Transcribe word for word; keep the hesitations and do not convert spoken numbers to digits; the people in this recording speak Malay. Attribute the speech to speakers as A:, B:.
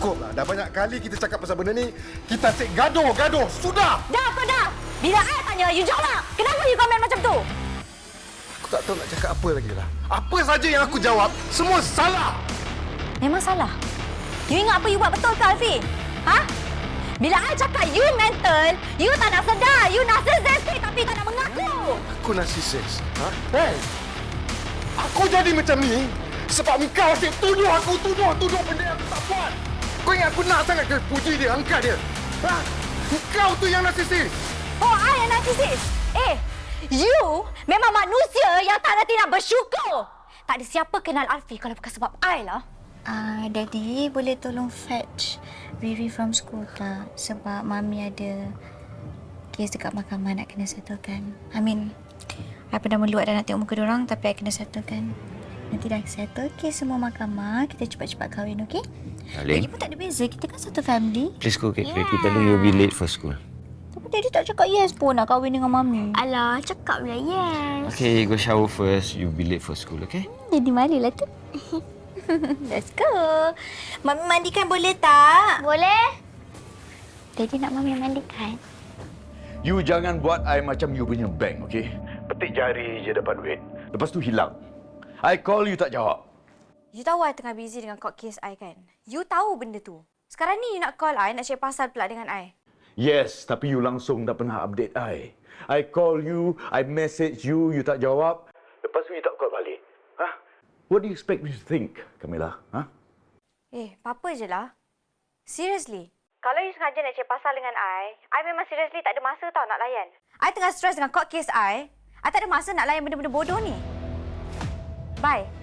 A: cukup lah. Dah banyak kali kita cakap pasal benda ni. Kita asyik gaduh, gaduh. Sudah!
B: Dah kau dah! Bila I tanya, you jawab! Kenapa you komen macam tu?
A: Aku tak tahu nak cakap apa lagi lah. Apa saja yang aku jawab, semua salah.
B: Memang salah. You ingat apa you buat betul ke, Alfi? Ha? Bila I cakap you mental, you tak nak sedar. You narcissistic tapi tak nak mengaku.
A: Aku narcissist. Ha? Hey! Aku jadi macam ni sebab engkau asyik tuduh aku, tuduh, tuduh benda yang aku tak buat. Kau ingat aku nak sangat ke puji dia, angkat dia? Ha? Engkau tu yang narcissist.
B: Oh, I yang narcissist? Eh, you memang manusia yang tak reti nak bersyukur. Tak ada siapa kenal Alfi kalau bukan sebab I lah.
C: Ah, uh, Daddy, boleh tolong fetch Riri from school tak? Sebab Mami ada kes dekat mahkamah nak kena settlekan. I mean, I pernah meluat dan nak tengok muka diorang tapi I kena settlekan. Nanti dah settle kes semua mahkamah, kita cepat-cepat kahwin, okey?
D: Darling,
C: Lagipun tak ada beza, kita kan satu family.
D: please go get ready. Tell her you'll be late for school.
C: Tapi Daddy tak cakap yes pun nak kahwin dengan Mami.
E: Alah, cakap lah yes.
D: Okay, go shower first. You'll be late for school, okay?
C: Daddy malulah tu. Let's go. Mami mandikan boleh tak?
E: Boleh?
C: Daddy nak Mami mandikan.
F: You jangan buat I macam you punya bank, okey? Petik jari je dapat duit. Lepas tu hilang. I call you tak jawab.
B: You tahu I tengah busy dengan court case I kan? You tahu benda tu. Sekarang ni you nak call I, nak share pasal pula dengan I.
F: Yes, tapi you langsung tak pernah update I. I call you, I message you, you tak jawab. Lepas tu you tak call balik. Huh? What do you expect me to think, Camilla? Huh?
B: Eh, apa-apa je lah. Seriously. Kalau you sengaja nak share pasal dengan I, I memang seriously tak ada masa tau nak layan. I tengah stress dengan court case I. I tak ada masa nak layan benda-benda bodoh ni. Bye.